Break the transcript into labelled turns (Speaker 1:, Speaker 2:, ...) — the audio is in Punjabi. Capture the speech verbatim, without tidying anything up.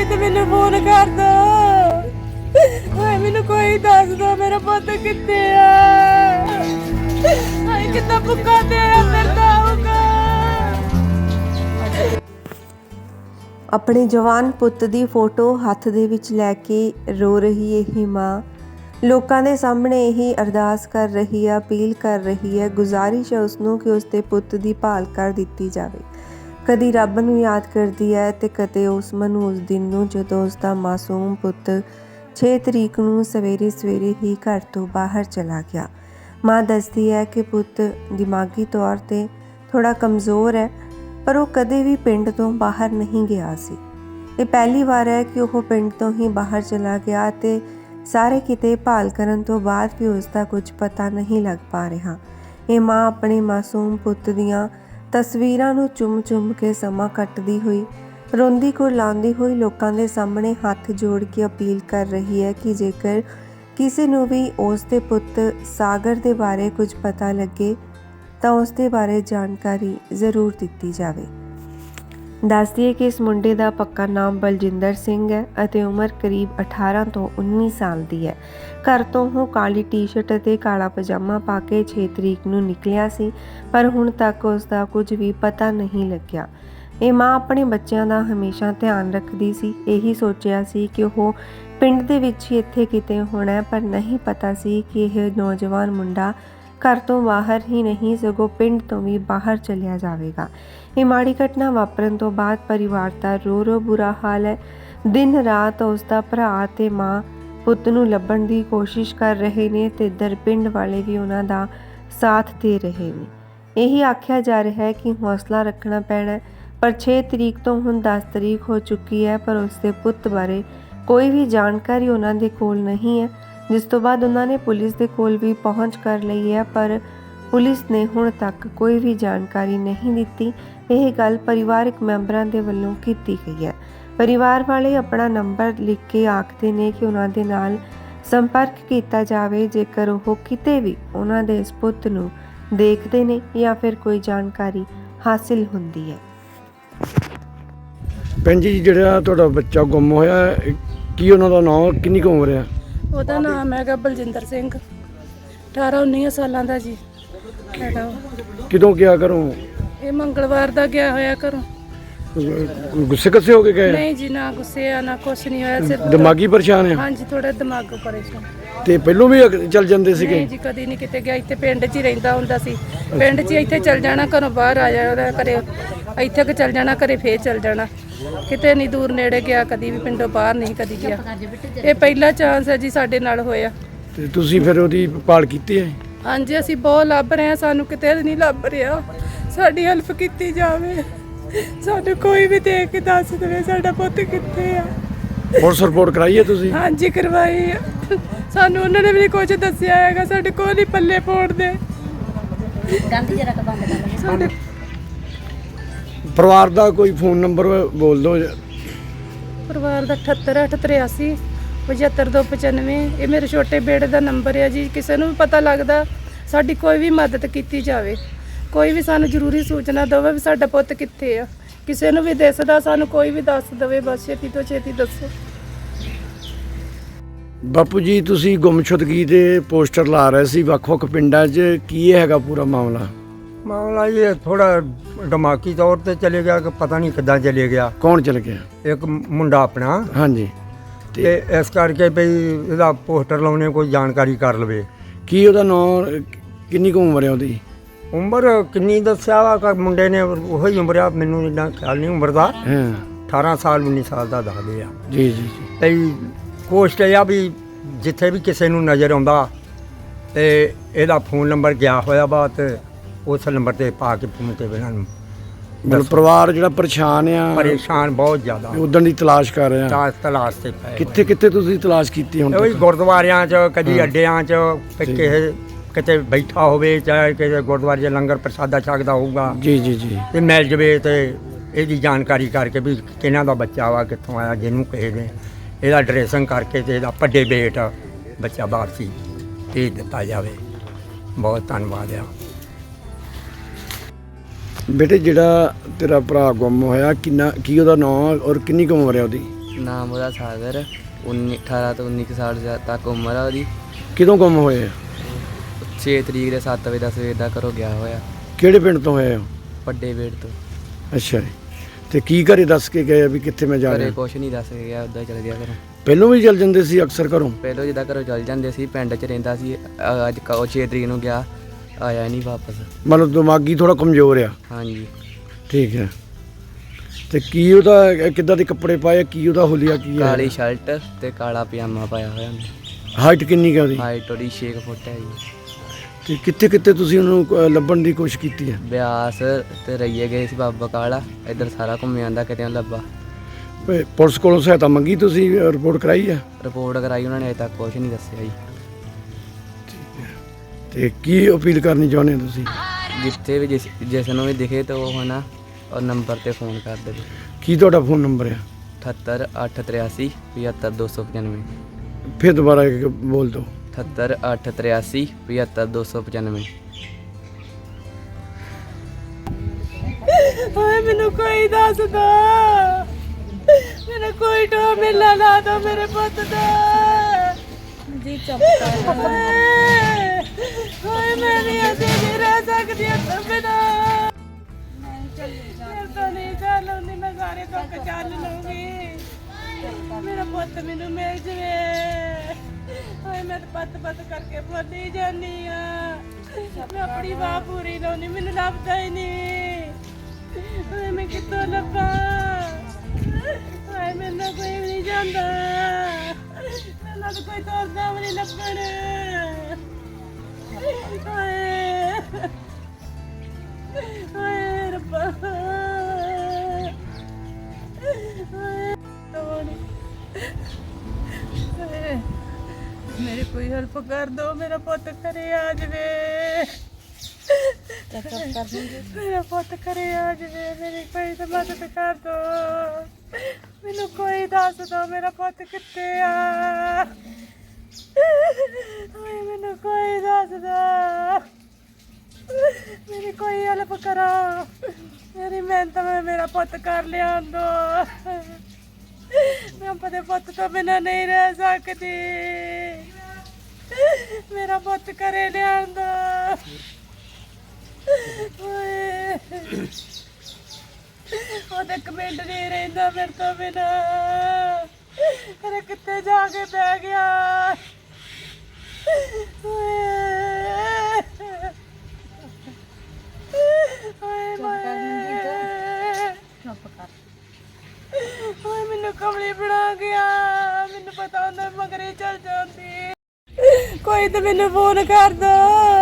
Speaker 1: ਹੋਏ ਤੇ ਮੈਨੂੰ ਫੋਨ ਕਰ ਦੋ। ਹਾਏ ਮੈਨੂੰ ਕੋਈ ਦੱਸ ਦੋ ਮੇਰਾ ਪੁੱਤ ਕਿੱਥੇ ਆ। ਹਾਏ ਕਿੰਨਾ ਭੁੱਖਾ ਤੇ ਫਿਰਦਾ ਹੋਊਗਾ।
Speaker 2: ਆਪਣੇ ਜਵਾਨ ਪੁੱਤ ਦੀ ਫੋਟੋ ਹੱਥ ਦੇ ਵਿੱਚ ਲੈ ਕੇ ਰੋ ਰਹੀ ਇਹ ਮਾਂ ਲੋਕਾਂ ਦੇ ਸਾਹਮਣੇ ਇਹੀ ਅਰਦਾਸ ਕਰ ਰਹੀ ਹੈ, ਅਪੀਲ ਕਰ ਰਹੀ ਹੈ, ਗੁਜ਼ਾਰਿਸ਼ ਹੈ ਉਸ ਨੂੰ ਕਿ ਉਸ ਦੇ ਪੁੱਤ ਦੀ ਭਾਲ ਕਰ ਦਿੱਤੀ ਜਾਵੇ। ਕਦੀ ਰੱਬ ਨੂੰ ਯਾਦ ਕਰਦੀ ਹੈ ਤੇ ਕਦੇ ਉਸ ਮਨੂੰ ਉਸ ਦਿਨ ਨੂੰ ਜਦੋਂ ਉਸ ਦਾ ਮਾਸੂਮ ਪੁੱਤ ਛੇ ਤਰੀਕ ਨੂੰ ਸਵੇਰੇ ਸਵੇਰੇ ਹੀ ਘਰ ਤੋਂ ਬਾਹਰ ਚਲਾ ਗਿਆ। ਮਾਂ ਦੱਸਦੀ ਹੈ ਕਿ ਪੁੱਤ ਦਿਮਾਗੀ ਤੌਰ 'ਤੇ ਥੋੜਾ ਕਮਜ਼ੋਰ ਹੈ, ਪਰ ਉਹ ਕਦੇ ਵੀ ਪਿੰਡ ਤੋਂ ਬਾਹਰ ਨਹੀਂ ਗਿਆ ਸੀ। ਇਹ ਪਹਿਲੀ ਵਾਰ ਹੈ ਕਿ ਉਹ ਪਿੰਡ ਤੋਂ ਹੀ ਬਾਹਰ ਚਲਾ ਗਿਆ ਤੇ ਸਾਰੇ ਕਿਤੇ ਭਾਲ ਕਰਨ ਤੋਂ ਬਾਅਦ ਵੀ ਉਸ ਦਾ ਕੁਝ ਪਤਾ ਨਹੀਂ ਲੱਗ ਪਾ ਰਿਹਾ। ਇਹ ਮਾਂ ਆਪਣੇ ਮਾਸੂਮ ਪੁੱਤ ਦੀਆਂ ਤਸਵੀਰਾਂ ਨੂੰ ਚੁੰਮ-ਚੁੰਮ ਕੇ ਸਮਾਂ ਕੱਟਦੀ ਹੋਈ, ਰੋਂਦੀ ਕੁਰਲਾਉਂਦੀ ਹੋਈ ਲੋਕਾਂ ਦੇ ਸਾਹਮਣੇ ਹੱਥ ਜੋੜ ਕੇ ਅਪੀਲ ਕਰ ਰਹੀ ਹੈ ਕਿ ਜੇਕਰ ਕਿਸੇ ਨੂੰ ਵੀ ਉਸ ਦੇ ਪੁੱਤ ਸਾਗਰ ਦੇ ਬਾਰੇ ਕੁਝ ਪਤਾ ਲੱਗੇ ਤਾਂ ਉਸ ਦੇ ਬਾਰੇ ਜਾਣਕਾਰੀ ਜ਼ਰੂਰ ਦਿੱਤੀ ਜਾਵੇ। ਦੱਸਦੀ ਹੈ ਕਿ ਇਸ ਮੁੰਡੇ ਦਾ ਪੱਕਾ ਨਾਮ ਬਲਜਿੰਦਰ ਸਿੰਘ ਹੈ ਅਤੇ ਉਮਰ ਕਰੀਬ ਅਠਾਰਾਂ ਤੋਂ ਉੱਨੀ ਸਾਲ ਦੀ ਹੈ। ਘਰ ਤੋਂ ਉਹ ਕਾਲੀ ਟੀ-ਸ਼ਰਟ ਅਤੇ ਕਾਲਾ ਪਜਾਮਾ ਪਾ ਕੇ ਛੇ ਤਰੀਕ ਨੂੰ ਨਿਕਲਿਆ ਸੀ, ਪਰ ਹੁਣ ਤੱਕ ਉਸ ਦਾ ਕੁਝ ਵੀ ਪਤਾ ਨਹੀਂ ਲੱਗਿਆ। ਇਹ ਮਾਂ ਆਪਣੇ ਬੱਚਿਆਂ ਦਾ ਹਮੇਸ਼ਾ ਧਿਆਨ ਰੱਖਦੀ ਸੀ। ਇਹੀ ਸੋਚਿਆ ਸੀ ਕਿ ਉਹ ਪਿੰਡ ਦੇ ਵਿੱਚ ਹੀ ਇੱਥੇ ਕਿਤੇ ਹੋਣਾ, ਪਰ ਨਹੀਂ ਪਤਾ ਸੀ ਕਿ ਇਹ ਨੌਜਵਾਨ ਮੁੰਡਾ ਘਰ ਤੋਂ ਬਾਹਰ ਹੀ ਨਹੀਂ ਸਗੋਂ ਪਿੰਡ ਤੋਂ ਵੀ ਬਾਹਰ ਚਲਿਆ ਜਾਵੇਗਾ। ਇਹ ਮਾੜੀ ਘਟਨਾ ਵਾਪਰਨ ਤੋਂ ਬਾਅਦ ਪਰਿਵਾਰ ਦਾ ਰੋ ਰੋ ਬੁਰਾ ਹਾਲ ਹੈ। ਦਿਨ ਰਾਤ ਉਸ ਦਾ ਭਰਾ ਤੇ ਮਾਂ ਪੁੱਤ ਨੂੰ ਲੱਭਣ ਦੀ ਕੋਸ਼ਿਸ਼ ਕਰ ਰਹੇ ਨੇ ਤੇ ਇੱਧਰ ਪਿੰਡ ਵਾਲੇ ਵੀ ਉਹਨਾਂ ਦਾ ਸਾਥ ਦੇ ਰਹੇ ਨੇ। ਇਹੀ ਆਖਿਆ ਜਾ ਰਿਹਾ ਹੈ ਕਿ ਹੌਸਲਾ ਰੱਖਣਾ ਪੈਣਾ, ਪਰ ਛੇ ਤਰੀਕ ਤੋਂ ਹੁਣ ਦਸ ਤਰੀਕ ਹੋ ਚੁੱਕੀ ਹੈ, ਪਰ ਉਸ ਦੇ ਪੁੱਤ ਬਾਰੇ ਕੋਈ ਵੀ ਜਾਣਕਾਰੀ ਉਹਨਾਂ ਦੇ ਕੋਲ ਨਹੀਂ ਹੈ। ਜਿਸ ਤੋਂ ਬਾਅਦ ਉਹਨਾਂ ਨੇ ਪੁਲਿਸ ਦੇ ਕੋਲ ਵੀ ਪਹੁੰਚ ਕਰ ਲਈ ਹੈ, ਪਰ ਪੁਲਿਸ ਨੇ ਹੁਣ ਤੱਕ ਕੋਈ ਵੀ ਜਾਣਕਾਰੀ ਨਹੀਂ ਦਿੱਤੀ। ਇਹ ਗੱਲ ਪਰਿਵਾਰਕ ਮੈਂਬਰਾਂ ਦੇ ਵੱਲੋਂ ਕੀਤੀ ਗਈ ਹੈ। ਪਰਿਵਾਰ ਵਾਲੇ ਆਪਣਾ ਨੰਬਰ ਲਿਖ ਕੇ ਆਖਦੇ ਨੇ ਕਿ ਉਹਨਾਂ ਦੇ ਨਾਲ ਸੰਪਰਕ ਕੀਤਾ ਜਾਵੇ ਜੇਕਰ ਉਹ ਕਿਤੇ ਵੀ ਉਹਨਾਂ ਦੇ ਇਸ ਪੁੱਤ ਨੂੰ ਦੇਖਦੇ ਨੇ ਜਾਂ ਫਿਰ ਕੋਈ ਜਾਣਕਾਰੀ ਹਾਸਿਲ ਹੁੰਦੀ ਹੈ।
Speaker 3: ਭੈਣ ਜੀ, ਜਿਹੜਾ ਤੁਹਾਡਾ ਬੱਚਾ ਗੁੰਮ ਹੋਇਆ, ਕੀ ਉਹਨਾਂ ਦਾ ਨਾਮ, ਕਿੰਨੀ ਕੁ ਉਮਰ ਹੈ?
Speaker 1: ਉਹਦਾ ਨਾਮ ਹੈਗਾ ਬਲਜਿੰਦਰ ਸਿੰਘ, ਅਠਾਰਾਂ ਉੱਨੀ ਸਾਲਾਂ ਦਾ ਜੀ ਹੈਗਾ।
Speaker 3: ਕਿਦੋਂ ਗਿਆ ਘਰੋਂ?
Speaker 1: ਇਹ ਮੰਗਲਵਾਰ ਦਾ ਗਿਆ ਹੋਇਆ ਘਰੋਂ।
Speaker 3: ਗੁੱਸੇ ਕੱਸੇ ਹੋ ਕੇ ਗਏ?
Speaker 1: ਨਹੀਂ ਜੀ, ਨਾ ਗੁੱਸੇ ਆ ਨਾ ਕੁਛ ਨਹੀਂ ਹੋਇਆ, ਸਿਰਫ
Speaker 3: ਦਿਮਾਗੀ ਪਰੇਸ਼ਾਨ ਹੈ?
Speaker 1: ਹਾਂਜੀ, ਥੋੜਾ ਦਿਮਾਗ ਪਰੇਸ਼ਾਨ।
Speaker 3: ਤੇ ਪਹਿਲੋਂ ਵੀ ਅਗ- ਚੱਲ ਜਾਂਦੇ ਸੀਗੇ?
Speaker 1: ਨਹੀਂ ਜੀ, ਕਦੀ ਨਹੀਂ ਕਿਤੇ ਗਿਆ। ਇੱਥੇ ਪਿੰਡ 'ਚ ਹੀ ਰਹਿੰਦਾ ਹੁੰਦਾ ਸੀ। ਪਿੰਡ 'ਚ ਹੀ ਇੱਥੇ ਚੱਲ ਜਾਣਾ, ਘਰੋਂ ਬਾਹਰ ਆ ਜਾਣਾ ਘਰੇ, ਇੱਥੇ ਕਿ ਚੱਲ ਜਾਣਾ ਘਰੇ, ਫੇਰ ਚੱਲ ਜਾਣਾ। ਕਿਤੇ ਨਹੀਂ ਦੂਰ ਨੇੜੇ ਗਿਆ, ਕਦੀ ਵੀ ਪਿੰਡੋਂ ਬਾਹਰ ਨਹੀਂ ਕਦੀ ਗਿਆ। ਇਹ ਪਹਿਲਾ ਚਾਂਸ ਹੈ ਜੀ ਸਾਡੇ ਨਾਲ ਹੋਇਆ।
Speaker 3: ਤੇ ਤੁਸੀਂ ਫਿਰ ਉਹਦੀ ਭਾਲ ਕੀਤੀ ਹੈ?
Speaker 1: ਹਾਂਜੀ, ਅਸੀਂ ਬਹੁਤ ਲੱਭ ਰਹੇ ਹਾਂ, ਸਾਨੂੰ ਕਿਤੇ ਨਹੀਂ ਲੱਭ ਰਿਹਾ। ਸਾਡੀ ਹੈਲਪ ਕੀਤੀ ਜਾਵੇ, ਸਾਨੂੰ ਕੋਈ ਵੀ ਦੇਖ ਕੇ ਦੱਸ ਦੇਵੇ ਸਾਡਾ ਪੁੱਤ ਕਿੱਥੇ ਆ।
Speaker 3: ਪੁਲਿਸ ਰਿਪੋਰਟ ਕਰਾਈ ਹੈ ਤੁਸੀਂ?
Speaker 1: ਹਾਂਜੀ, ਕਰਵਾਈ ਆ। ਸਾਨੂੰ ਉਹਨਾਂ ਨੇ ਵੀ ਕੁਝ ਦੱਸਿਆ ਹੈਗਾ, ਸਾਡੇ ਕੋਲ ਹੀ ਪੱਲੇ ਪਾਉਣ ਦੇ।
Speaker 3: ਪਰਿਵਾਰ ਦਾ ਕੋਈ ਫੋਨ ਨੰਬਰ ਬੋਲ ਦਿਓ।
Speaker 1: ਪਰਿਵਾਰ ਦਾ ਅਠੱਤਰ ਅੱਠ ਤਰਿਆਸੀ ਪਝੱਤਰ ਦੋ ਪਚਾਨਵੇਂ। ਇਹ ਮੇਰੇ ਛੋਟੇ ਬੇੜੇ ਦਾ ਨੰਬਰ ਹੈ ਜੀ। ਕਿਸੇ ਨੂੰ ਵੀ ਪਤਾ ਲੱਗਦਾ, ਸਾਡੀ ਕੋਈ ਵੀ ਮਦਦ ਕੀਤੀ ਜਾਵੇ, ਕੋਈ ਵੀ ਸਾਨੂੰ ਜ਼ਰੂਰੀ ਸੂਚਨਾ ਦੇਵੇ ਵੀ ਸਾਡਾ ਪੁੱਤ ਕਿੱਥੇ ਆ। ਕਿਸੇ ਨੂੰ ਵੀ ਦਿਸਦਾ ਸਾਨੂੰ ਕੋਈ ਵੀ ਦੱਸ ਦੇਵੇ, ਬਸ ਛੇਤੀ ਤੋਂ ਛੇਤੀ ਦੱਸੋ।
Speaker 3: ਬਾਪੂ ਜੀ, ਤੁਸੀਂ ਗੁੰਮਸ਼ੁਦਗੀ ਦੇ ਪੋਸਟਰ ਲਾ ਰਹੇ ਸੀ ਵੱਖ-ਵੱਖ ਪਿੰਡਾਂ 'ਚ, ਕੀ ਹੈਗਾ ਪੂਰਾ ਮਾਮਲਾ?
Speaker 4: ਮਾਮਲਾ ਇਹ ਥੋੜਾ ਦਿਮਾਗੀ ਤੌਰ ਤੇ ਚਲੇ ਗਿਆ ਕਿ ਪਤਾ ਨਹੀਂ ਕਿੱਦਾਂ ਚਲੇ ਗਿਆ।
Speaker 3: ਕੌਣ ਚਲ ਗਿਆ?
Speaker 4: ਇੱਕ ਮੁੰਡਾ ਆਪਣਾ।
Speaker 3: ਹਾਂਜੀ।
Speaker 4: ਤੇ ਇਸ ਕਰਕੇ ਭਈ ਇਹਦਾ ਪੋਸਟਰ ਲਾਉਣੇ, ਕੋਈ ਜਾਣਕਾਰੀ ਕਰ ਲਵੇ।
Speaker 3: ਕੀ ਉਹਦਾ ਨਾਮ, ਕਿੰਨੀ ਕੁ ਉਮਰ ਹੈ ਉਹਦੀ?
Speaker 4: ਉਮਰ ਕਿੰਨੀ ਦੱਸਿਆ ਵਾ ਕਿ ਮੁੰਡੇ ਨੇ ਉਹੀ ਉਮਰ ਆ, ਮੈਨੂੰ ਇੰਨਾ ਖਿਆਲ ਨਹੀਂ ਉਮਰ ਦਾ।
Speaker 3: ਹਾਂ,
Speaker 4: ਅਠਾਰਾਂ ਸਾਲ ਉੱਨੀ ਸਾਲ ਦਾ ਦੱਸਦੇ ਆ
Speaker 3: ਜੀ ਜੀ ਜੀ।
Speaker 4: ਭਈ ਕੋਸ਼ਟ ਇਹ ਆ ਵੀ ਜਿੱਥੇ ਵੀ ਕਿਸੇ ਨੂੰ ਨਜ਼ਰ ਆਉਂਦਾ ਤੇ ਇਹਦਾ ਫੋਨ ਨੰਬਰ ਗਿਆ ਹੋਇਆ ਵਾ ਤੇ ਉਸ ਨੰਬਰ ਤੇ ਪਾ ਕੇ ਫੋਨ ਤੇ ਇਹਨਾਂ ਨੂੰ
Speaker 3: ਮਤਲਬ ਪਰਿਵਾਰ ਜਿਹੜਾ ਪਰੇਸ਼ਾਨ ਆ,
Speaker 4: ਪਰੇਸ਼ਾਨ ਬਹੁਤ ਜ਼ਿਆਦਾ,
Speaker 3: ਉਦਣ ਦੀ ਤਲਾਸ਼ ਕਰ ਰਹੇ ਆ।
Speaker 4: ਤਾਸ ਤਲਾਸ਼ ਤੇ ਪਏ
Speaker 3: ਕਿੱਥੇ ਕਿੱਥੇ ਤੁਸੀਂ ਤਲਾਸ਼ ਕੀਤੀ ਹੁਣ
Speaker 4: ਉਹੀ
Speaker 3: ਤੱਕ?
Speaker 4: ਗੁਰਦੁਆਰਿਆਂ 'ਚ, ਕਦੀ
Speaker 3: ਹਾਂ।
Speaker 4: ਅੱਡਿਆਂ 'ਚ, ਤੇ
Speaker 3: ਠੀਕ।
Speaker 4: ਕਿਸੇ ਕਿਤੇ ਬੈਠਾ ਹੋਵੇ, ਚਾਹੇ ਕਿਸੇ ਗੁਰਦੁਆਰੇ 'ਚ ਲੰਗਰ ਪ੍ਰਸ਼ਾਦਾ ਛਕਦਾ ਹੋਊਗਾ
Speaker 3: ਜੀ ਜੀ ਜੀ।
Speaker 4: ਤੇ ਮਿਲ ਜਵੇ ਤੇ ਇਹਦੀ ਜਾਣਕਾਰੀ ਕਰਕੇ ਵੀ ਕਿਹਨਾਂ ਦਾ ਬੱਚਾ ਵਾ, ਕਿੱਥੋਂ ਆਇਆ, ਜਿਹਨੂੰ ਕਿਸੇ ਨੇ ਇਹਦਾ ਡਰੈਸਿੰਗ ਕਰਕੇ ਤੇ ਇਹਦਾ ਵੱਡੇ ਬੇਟ ਬੱਚਾ ਬਾਹਰ ਸੀ ਭੇਜ ਦਿੱਤਾ ਜਾਵੇ। ਬਹੁਤ ਧੰਨਵਾਦ ਆ।
Speaker 3: ਬੇਟੇ, ਜਿਹੜਾ ਤੇਰਾ ਭਰਾ ਗੁੰਮ ਹੋਇਆ, ਕਿੰਨਾ ਕੀ ਉਹਦਾ ਨਾਮ ਔਰ ਕਿੰਨੀ ਕੁ ਉਮਰ ਹੈ ਉਹਦੀ?
Speaker 5: ਨਾਮ ਉਹਦਾ ਸਾਗਰ, ਉੱਨੀ ਅਠਾਰਾਂ ਤੋਂ ਉੱਨੀ ਕੁ ਸਾਲ ਜਾ- ਤੱਕ ਉਮਰ ਆ ਉਹਦੀ।
Speaker 3: ਕਿਦੋਂ ਗੁੰਮ ਹੋਏ ਆ?
Speaker 5: ਛੇ ਤਰੀਕ ਦੇ ਸੱਤ ਵਜੇ ਦਾ ਸਵੇਰ ਦਾ ਘਰੋਂ ਗਿਆ ਹੋਇਆ,
Speaker 3: ਕਿਹੜੇ ਪਿੰਡ ਤੋਂ ਹੋਏ ਹੋ?
Speaker 5: ਵੱਡੇ ਵੇੜ ਤੋਂ।
Speaker 3: ਅੱਛਾ ਜੀ। ਤੇ ਕੀ ਘਰੇ ਦੱਸ ਕੇ ਗਏ ਆ ਵੀ ਕਿੱਥੇ ਮੈਂ ਜਾ
Speaker 5: ਘਰੇ
Speaker 3: ਰਿਹਾ?
Speaker 5: ਕੁਛ ਨਹੀਂ ਦੱਸ ਕੇ ਗਿਆ, ਉੱਦਾਂ ਚਲ ਗਿਆ ਘਰੋਂ।
Speaker 3: ਪਹਿਲੋਂ ਵੀ ਚੱਲ ਜਾਂਦੇ ਸੀ ਅਕਸਰ ਘਰੋਂ?
Speaker 5: ਪਹਿਲਾਂ ਜਿੱਦਾਂ ਘਰੋਂ ਚੱਲ ਜਾਂਦੇ ਸੀ, ਪਿੰਡ 'ਚ ਰਹਿੰਦਾ ਸੀ। ਅ- ਅੱਜ ਕ- ਉਹ ਛੇ ਤਰੀਕ ਨੂੰ ਗਿਆ, ਆਇਆ ਨਹੀਂ ਵਾਪਸ।
Speaker 3: ਮਤਲਬ ਦਿਮਾਗੀ ਥੋੜਾ ਕਮਜ਼ੋਰ ਆ।
Speaker 5: ਹਾਂਜੀ।
Speaker 3: ਠੀਕ ਹੈ। ਤੇ ਕੀ ਉਹਦਾ ਕਿੱਦਾਂ ਦੇ ਕੱਪੜੇ ਪਾਏ, ਕੀ ਉਹਦਾ ਹੁਲੀਆ ਕੀ ਹੈ?
Speaker 5: ਕਾਲੀ ਸ਼ਰਟ ਤੇ ਕਾਲਾ ਪਜਾਮਾ ਪਾਇਆ ਹੋਇਆ ਉਹਨੇ।
Speaker 3: ਹਾਈਟ ਕਿੰਨੀ ਕੁ ਹੈ ਉਹਦੀ?
Speaker 5: ਹਾਈਟ ਉਹਦੀ ਛੇ ਕੁ ਫੁੱਟ ਹੈ ਜੀ।
Speaker 3: ਤੇ ਕਿੱਥੇ ਕਿੱਥੇ ਤੁਸੀਂ ਉਹਨੂੰ ਅ, ਲੱਭਣ ਦੀ ਕੋਸ਼ਿਸ਼ ਕੀਤੀ ਹੈ?
Speaker 5: ਬਿਆਸ ਤੇ ਰਈਏ ਗਏ ਸੀ, ਬਾਬਾ ਕਾਲਾ ਇੱਧਰ ਸਾਰਾ ਘੁੰਮ ਆਂਦਾ, ਕਿਤੇ ਨਹੀਂ ਲੱਭਾ।
Speaker 3: ਪ- ਪੁਲਿਸ ਕੋਲੋਂ ਸਹਾਇਤਾ ਮੰਗੀ, ਤੁਸੀਂ ਰਿਪੋਰਟ ਕਰਾਈ ਹੈ?
Speaker 5: ਰਿਪੋਰਟ ਕਰਾਈ ਉਹਨਾਂ ਨੇ, ਅਜੇ ਤੱਕ ਕੁਛ ਨਹੀਂ ਦੱਸਿਆ ਜੀ।
Speaker 3: ਤੇ ਕੀ ਅਪੀਲ ਕਰਨੀ ਚਾਹੁੰਦੇ ਹੋ ਤੁਸੀਂ?
Speaker 5: ਜਿੱਥੇ ਵੀ ਜਿਸ ਜਿਸ ਨੂੰ ਵੀ ਦਿਖੇ ਤਾਂ ਉਹ ਹਨਾ ਉਹ ਨੰਬਰ ਤੇ ਫੋਨ ਕਰ ਦੇਵੇ।
Speaker 3: ਕੀ ਤੁਹਾਡਾ ਫੋਨ ਨੰਬਰ ਹੈ?
Speaker 5: ਅਠੱਤਰ ਅੱਠ ਤਰਿਆਸੀ ਪਝੱਤਰ ਦੋ ਸੌ ਪਚਾਨਵੇਂ।
Speaker 3: ਫਿਰ ਦੁਬਾਰਾ ਇੱਕ ਬੋਲ ਦਿਓ।
Speaker 5: ਅਠੱਤਰ ਅੱਠ ਤਰਿਆਸੀ ਪਝੱਤਰ ਦੋ ਸੌ ਪਚਾਨਵੇਂ।
Speaker 1: ਓਏ ਮੈਨੂੰ ਕੋਈ ਦੱਸ ਦੋ, ਮੈਨੂੰ ਕੋਈ ਟੋ ਮਿਲਾ ਲਾ ਦੋ ਮੇਰੇ ਪੁੱਤ ਦਾ ਜੀ। ਚੁੱਪ ਕਰ ਓਏ ਮੈਂ ਨਹੀਂ ਅਜੇ ਨਹੀਂ ਰਹਿ ਸਕਦੀ ਇੱਥੇ ਬਿਨਾ। ਮੈਂ ਤਾਂ ਨਹੀਂ ਚੱਲ ਹੁੰਦੀ, ਮੈਂ ਸਾਰੇ ਦੁੱਖ ਚੱਲ ਲੂੰਗੀ। ਮੇਰਾ ਪੁੱਤ ਮੈਨੂੰ ਮਿਲ ਜਵੇ। ਓਏ ਮੈਂ ਤਾਂ ਪੱਤ ਪੱਤ ਕਰਕੇ ਬੋਲੀ ਜਾਨੀ ਆ, ਮੈਂ ਆਪਣੀ ਬਾਹ ਪੂਰੀ ਲਾਉਣੀ, ਮੈਨੂੰ ਲੱਭਦਾ ਹੀ ਨਹੀਂ। ਓਏ ਮੈਂ ਕਿੱਥੋਂ ਲੱਭਾਂ? ਓਏ ਮੈਨੂੰ ਕੋਈ ਵੀ ਨਹੀਂ ਜਾਂਦਾ, ਮੈਨੂੰ ਤਾਂ ਕੋਈ ਤੋਰਦਾ ਵੀ ਨਹੀਂ ਲੱਭਣ। ਓਏ ਓਏ ਰੱਬਾ, ਓਏ ਤੋੜ। ਓਏ ਮੇਰੀ ਕੋਈ ਹੈਲਪ ਕਰ ਦੋ, ਮੇਰਾ ਪੁੱਤ ਘਰੇ ਆ ਜਾਵੇ। ਮੇਰਾ ਪੁੱਤ ਘਰੇ ਆ ਜਾਵੇ, ਮੇਰੀ ਕੋਈ ਤਾਂ ਮਦਦ ਕਰ ਦੋ। ਮੈਨੂੰ ਕੋਈ ਦੱਸ ਦੋ ਮੇਰਾ ਪੁੱਤ ਕਿੱਥੇ ਆ। ਓਏ ਮੈਨੂੰ ਕੋਈ ਦੱਸ ਦੋ, ਮੇਰੀ ਕੋਈ ਹੈਲਪ ਕਰੋ। ਮੇਰੀ ਮਿਹਨਤ ਮੈਂ ਮੇਰਾ ਪੁੱਤ ਕਰ ਲਿਆਂਦੋ। ਮੈਂ ਆਪਣੇ ਪੁੱਤ ਤੋਂ ਬਿਨਾਂ ਨਹੀਂ ਰਹਿ ਸਕਦੀ। ਮੇਰਾ ਪੁੱਤ ਘਰੇ ਲਿਆਂਦੋ। ਓਏ ਉਹਦੇ ਕਮੈਂਟ ਨਹੀਂ ਰਹਿੰਦਾ ਮੇਰੇ ਤੋਂ ਬਿਨਾ। ਅਰੇ ਕਿੱਥੇ ਜਾ ਕੇ ਬਹਿ ਗਿਆ? ਓਏ ਓਏ ਓਏ ਮੈਨੂੰ ਕਮਲੀ ਬਣਾ ਗਿਆ, ਮੈਨੂੰ ਪਤਾ ਹੁੰਦਾ ਮਗਰੇ ਚੱਲ ਜਾਂਦੀ। ਕੋਈ ਤਾਂ ਮੈਨੂੰ ਫੋਨ ਕਰ ਦੋ।